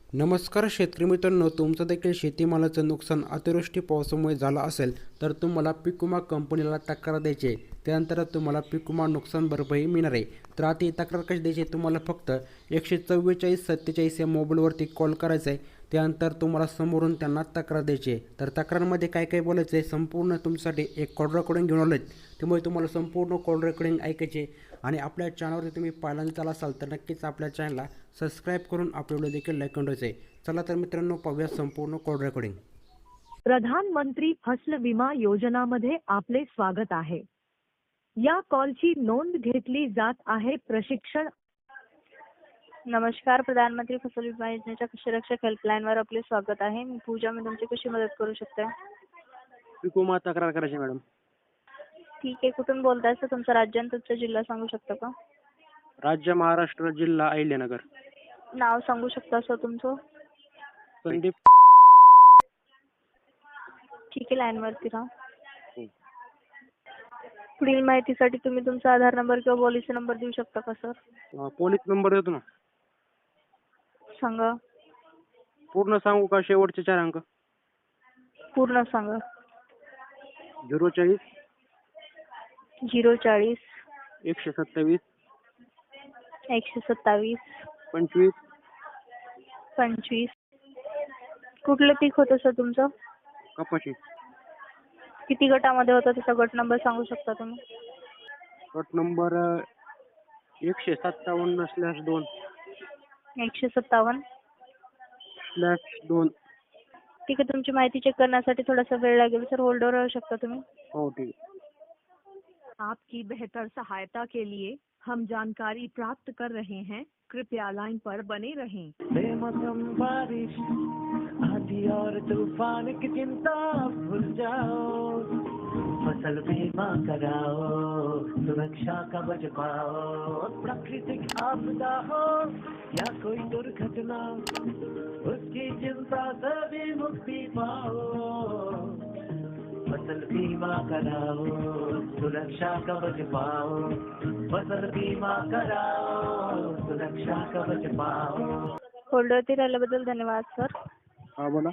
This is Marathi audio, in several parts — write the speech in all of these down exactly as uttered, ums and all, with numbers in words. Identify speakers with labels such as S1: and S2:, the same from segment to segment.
S1: नमस्कार शेतकरी मित्रांनो, तुमचं देखील शेतीमालाचं नुकसान अतिवृष्टी पावसामुळे झालं असेल तर तुम्हाला पीक विमा कंपनीला तक्रार द्यायची आहे. त्यानंतर तुम्हाला पीक विमा नुकसान भरपाई मिळणार आहे. तर आता ही तक्रार कशी द्यायची, तुम्हाला फक्त एकशे चव्वेचाळीस सत्तेचाळीस या मोबाईलवरती कॉल करायचा आहे. त्यानंतर तुम्हाला समोरून त्यांना तक्रार द्यायची आहे. तर तक्रारमध्ये काय काय बोलायचं आहे संपूर्ण तुमच्यासाठी एक कॉल रेकॉर्डिंग घेऊन आलो आहे. त्यामुळे तुम्हाला संपूर्ण कॉल रेकॉर्डिंग ऐकायचे आणि आपल्या चॅनलवरती तुम्ही पहिल्यांदा आला असाल तर नक्कीच आपल्या चॅनलला सबस्क्राईब करून आपल्या व्हिडिओ देखील लाईक करून ठेवायचं आहे. चला तर मित्रांनो, पाहूया संपूर्ण कॉल रेकॉर्डिंग.
S2: प्रधानमंत्री फसल विमा योजनामध्ये आपले स्वागत आहे. या कॉलची नोंद घेतली जात आहे. प्रशिक्षण.
S3: नमस्कार, प्रधानमंत्री फसल विमा योजनेच्या कृषी रक्षक हेल्पलाईनवर आपले स्वागत आहे. मी पूजा. मी तुमची कशी मदत करू शकते?
S4: पीक विमा तक्रार करायची मॅडम.
S3: ठीक आहे. कुठून बोलताय सर? तुमचं राज्य आणि तुमचा जिल्हा सांगू शकता का?
S4: राज्य महाराष्ट्र, जिल्हा अहिल्यानगर.
S3: नाव सांगू शकता सर तुमचं?
S4: संदीप.
S3: ठीक आहे, लाईनवरती राहा.
S4: हो.
S3: पुढील माहितीसाठी तुम्ही तुमचा आधार नंबर किंवा पॉलिसी नंबर देऊ शकता का सर?
S4: अं, पोलीस नंबर देतो ना.
S3: सांगा.
S4: पूर्ण सांगू का शेवटचे चार अंक?
S3: पूर्ण सांगा.
S4: झिरो चाळीस
S3: झिरो चाळीस
S4: एकशे सत्तावीस
S3: एकशे सत्तावीस
S4: पंचवीस.
S3: पंचवीस. कुठलं पीक होतं सर तुमचं?
S4: कपाशी.
S3: किती गटामध्ये होतं त्याचा गट नंबर सांगू शकता तुम्ही?
S4: गट नंबर अं, एकशे सत्तावन्न स्लॅश दोन
S3: एकशे सत्तावन्न
S4: स्लॅश दोन.
S3: ठीक आहे. तुमची माहिती चेक करण्यासाठी थोडासा वेळ लागेल सर. होल्डवर राहू शकता तुम्ही?
S4: हो ठीक आहे.
S2: आपकी बेहतर सहायता के लिए हम जानकारी प्राप्त कर रहे हैं. कृपया लाइन पर बने रहें.
S5: बेमौसम बारिश आंधी और तूफान की चिंता भूल जाओ, फसल बीमा कराओ, सुरक्षा कवच पाओ. प्राकृतिक आपदा हो या कोई दुर्घटना, उसकी चिंता से भी मुक्ति पाओ. फसल बीमा कराओ, सुरक्षा कवच पाओ. फसल बीमा कराओ, सुरक्षा कवच पाओ.
S3: होल्डवरती राहिल्याबद्दल धन्यवाद सर.
S4: हा बोला.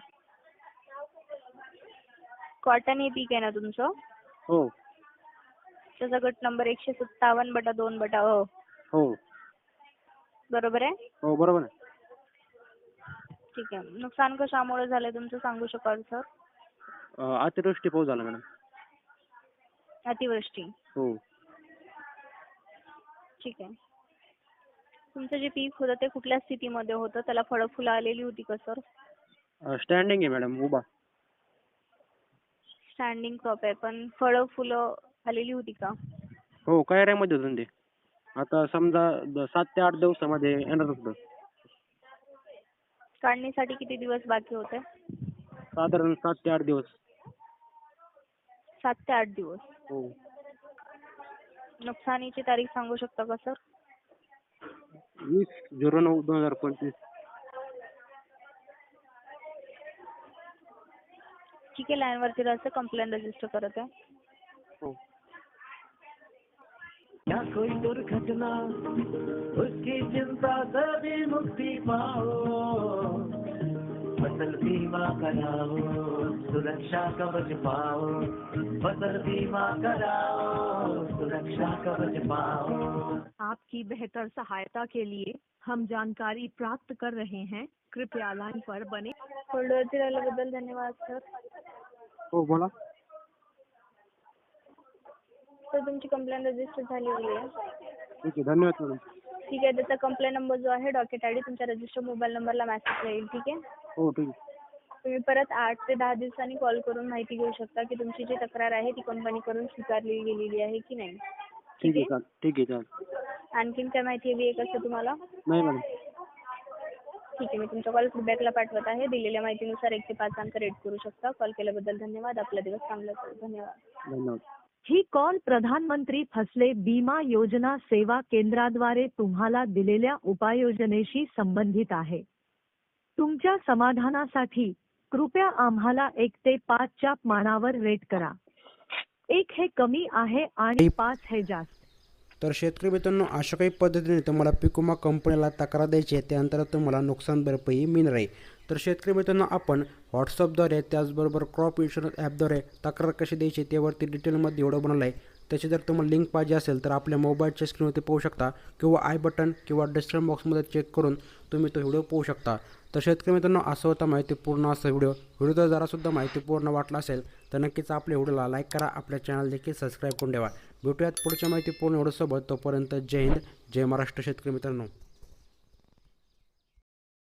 S3: कॉटन हे पीक आहे ना तुमचं?
S4: हो
S3: त्याचा गट नंबर एकशे सत्तावन्न बटा दोन बटा अ.
S4: हो
S3: बरोबर आहे?
S4: हो बरोबर आहे.
S3: ठीक आहे. नुकसान कशामुळे झालंय तुमचं सांगू शकाल सर?
S4: अं, अतिवृष्टी पाऊस झाला मॅडम.
S3: अतिवृष्टी.
S4: हो.
S3: ठीक आहे. तुमचं जे पीक होतं ते कुठल्या स्थितीमध्ये होतं? त्याला फळं फुलं आलेली होती का सर?
S4: स्टँडिंग आहे मॅडम, उभा.
S3: स्टँडिंग क्रॉप आहे, पण फळं फुलं आलेली होती का?
S4: हो कैऱ्यामध्ये होतं ते. आता समजा द- सात ते आठ दिवसामध्ये येणार होतं.
S3: काढणीसाठी किती दिवस बाकी होते?
S4: साधारण सात ते आठ दिवस.
S3: सात ते आठ दिवस.
S4: हो.
S3: नुकसानीची तारीख सांगू शकता का सर?
S4: वीस झिरो नऊ दोन हजार पंचवीस.
S3: ठीक आहे, लाईनवरती राहायचं. कंप्लेंट रजिस्टर करत आहे.
S4: हो.
S5: या कोई दुर्घटना, उसकी चिंता से भी मुक्ति पाओ. फसल बीमा कराओ, सुरक्षा कवच पाओ. फसल बीमा कराओ, सुरक्षा कवच पाओ.
S2: आपकी बेहतर सहायता के लिए हम जानकारी प्राप्त कर रहे हैं. कृपया लाइन पर बने.
S3: होल्डवरती राहिल्याबद्दल धन्यवाद सर.
S4: हो बोला.
S3: सर तुमची कंप्लेंट रजिस्टर झालेली आहे.
S4: ठीक आहे, धन्यवाद मॅडम.
S3: ठीक आहे. त्याचा कंप्लेंट नंबर जो आहे डॉकेट आय डी तुमच्या रजिस्टर मोबाईल नंबरला मेसेज येईल. ठीक आहे.
S4: हो ठीक आहे.
S3: तुम्ही परत आठ ते दहा दिवसांनी कॉल करून माहिती घेऊ शकता की तुमची जी तक्रार आहे ती कंपनीकडून स्वीकारली गेलेली आहे की नाही.
S4: ठीक आहे चाल ठीक आहे चाल
S3: आणखीन काय माहिती हवी आहे का सर तुम्हाला?
S4: नाही मॅडम.
S3: ठीक आहे. मी तुमचा कॉल फीडबॅकला पाठवत आहे. दिलेल्या माहितीनुसार एक ते पाच अंक रेट करू शकता. कॉल केल्याबद्दल धन्यवाद. आपला दिवस चांगला जाओ. धन्यवाद.
S4: धन्यवाद.
S2: ही कॉल प्रधानमंत्री फसले बीमा योजना सेवा केंद्राद्वारे तुम्हाला दिलेल्या उपाययोजनेशी संबंधित आहे. तुमच्या समाधानासाठी कृपया आम्हाला एक ते पाचच्या मानावर रेट करा. एक हे कमी आहे आणि पाच हे जास्त.
S1: तर शेतकरी मित्रांनो, अशा काही पद्धतीने तुम्हाला पीक विमा कंपनीला तक्रार द्यायची आहे, त्यानंतर तुम्हाला नुकसान भरपाई मिळणार आहे. तर शेतकरी मित्रांनो, आपण व्हॉट्सअपद्वारे त्याचबरोबर क्रॉप इन्शुरन्स ॲपद्वारे तक्रार कशी द्यायची त्यावरती डिटेलमध्ये व्हिडिओ बनवला आहे. त्याची जर तुम्हाला लिंक पाहिजे असेल तर आपल्या मोबाईलच्या स्क्रीनवरती पाहू शकता किंवा आय बटन किंवा डिस्क्रिप्शन बॉक्समध्ये चेक करून तुम्ही तो व्हिडिओ पाहू शकता. तर शेतकरी मित्रांनो, असं होता माहितीपूर्ण असा व्हिडिओ. व्हिडिओ जर जरासुद्धा माहितीपूर्ण वाटला असेल तर नक्कीच आपल्या व्हिडिओला लाईक करा, आपल्या चॅनल देखील सबस्क्राईब करून ठेवा. भेटूयात पुढच्या माहितीपूर्ण व्हिडिओसोबत. तोपर्यंत जय हिंद, जय महाराष्ट्र शेतकरी मित्रांनो.